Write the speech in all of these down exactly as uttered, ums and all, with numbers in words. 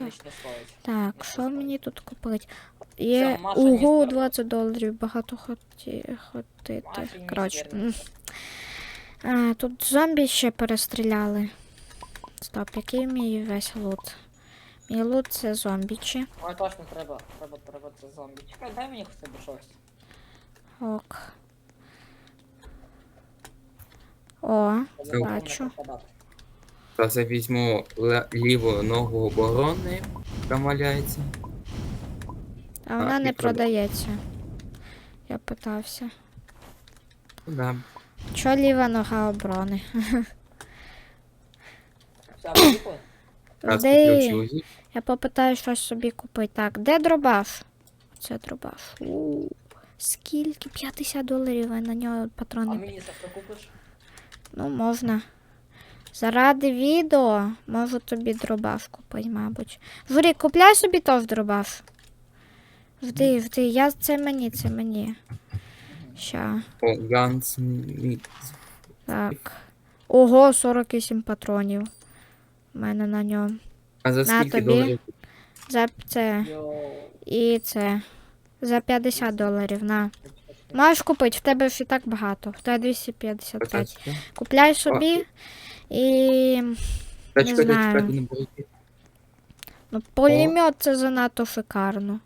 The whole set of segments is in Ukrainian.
отлично стоїть. Так, що мені тут купити? Є Все, Маша, мені ого, скоро. двадцять доларів, багато хоті... хотити. Маші, ні, Коротше. вірно. м. А, тут зомбі ще перестріляли. Стоп, який мій весь лут? Мій лут це зомбічі. Ой, точно треба, треба, треба це зомбі. Чекай, дай мені хоча б щось. Ок. О, Щоб я бачу. не пропадати. Зараз я візьму ле- ліву ногу оборони, там валяється. А вона А, не і прода- продається. Я питався. Ну да. Чо ліва нога оборони? Все, поїхали? Раз Де? куплю чузі. Я попитаю щось собі купити. Так, де дробаш? Це дробаш. У, скільки? п'ятдесят доларів, а на нього А патрони. мені за що купиш? Ну, можна. Заради відео можу тобі дробаш купити, мабуть. Журі, купляй собі теж дробаш. Жди, жди, я це мені, це мені. Ща. О, Gunsmith. Так. Ого, сорок вісім патронів. У мене на ньому. А за На скільки тобі. доларів? За це. Йоу. І це. За п'ятдесят доларів, на. Можеш купити, в тебе ж і так багато. В тебе двісті п'ятдесят п'ять. Початку. Купляй собі і. Та Не чекайте, знаю. чекайте, не беріть. Ну, пулемет це занадто шикарно.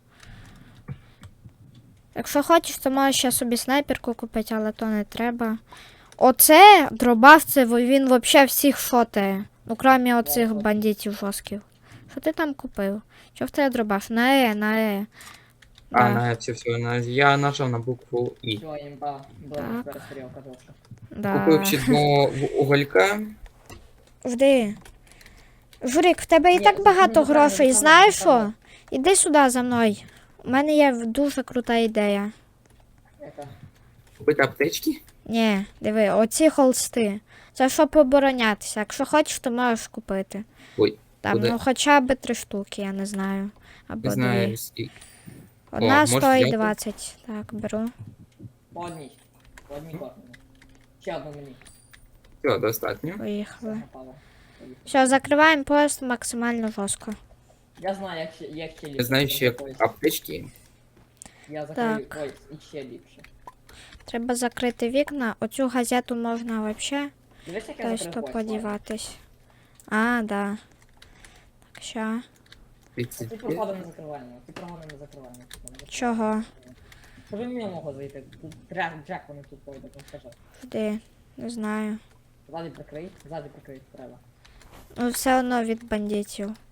Якщо хочеш, то можеш ще собі снайперку купити, але то не треба. Оце дробаш, це во- він взагалі всіх шотає. Ну, крім оцих бандитів жорстких. Що ти там купив? Що в тебе дробаш? На Е, на Е. А, Да. на все, все, на... я нажав на букву І. Все, імба. Добре, Так. перестрілка жорстка. Да. Купив ще два в- уголька. Жди. Журик, в тебе і Ні, так це багато не правильно, грошей, це знаєш правильно. що? Іди сюди за мною. У мене є дуже крута ідея. Яка? Купити аптечки. Ні, диви, оці холсти. Це щоб оборонятися. Якщо хочеш, то можеш купити. Ой, Там, куди? ну хоча б три штуки, я не знаю. Або Не знаю, дві. скільки. Одна можеш стоїть взяти? двадцять. Так, беру. По одній. По одній кожному. Ще одну мені. Все, достатньо. Все, Поїхали. напало. Поїхали. Все, закриваємо поїзд максимально жорстко. Я знаю, як ще, як ще ліпше. Я знаю ще Ось, аптечки. Я закрию. Так. Ой, і ще ліпше. Треба закрити вікна. Оцю газету можна взагалі Дивись, як я точно закрив поїзд, ладно? подіватись. А, да. Так, ща. тридцять Ці п'ять. проходи не закриваємо, ці проходи не закриваємо. Чого? Щоб він мені могло зайти. Тут Джек, Джек вони тут пойде, там скажи. Жди. Не знаю. Ззаді прикрий, ззаді прикрий, треба. Ну, все одно від бандитів.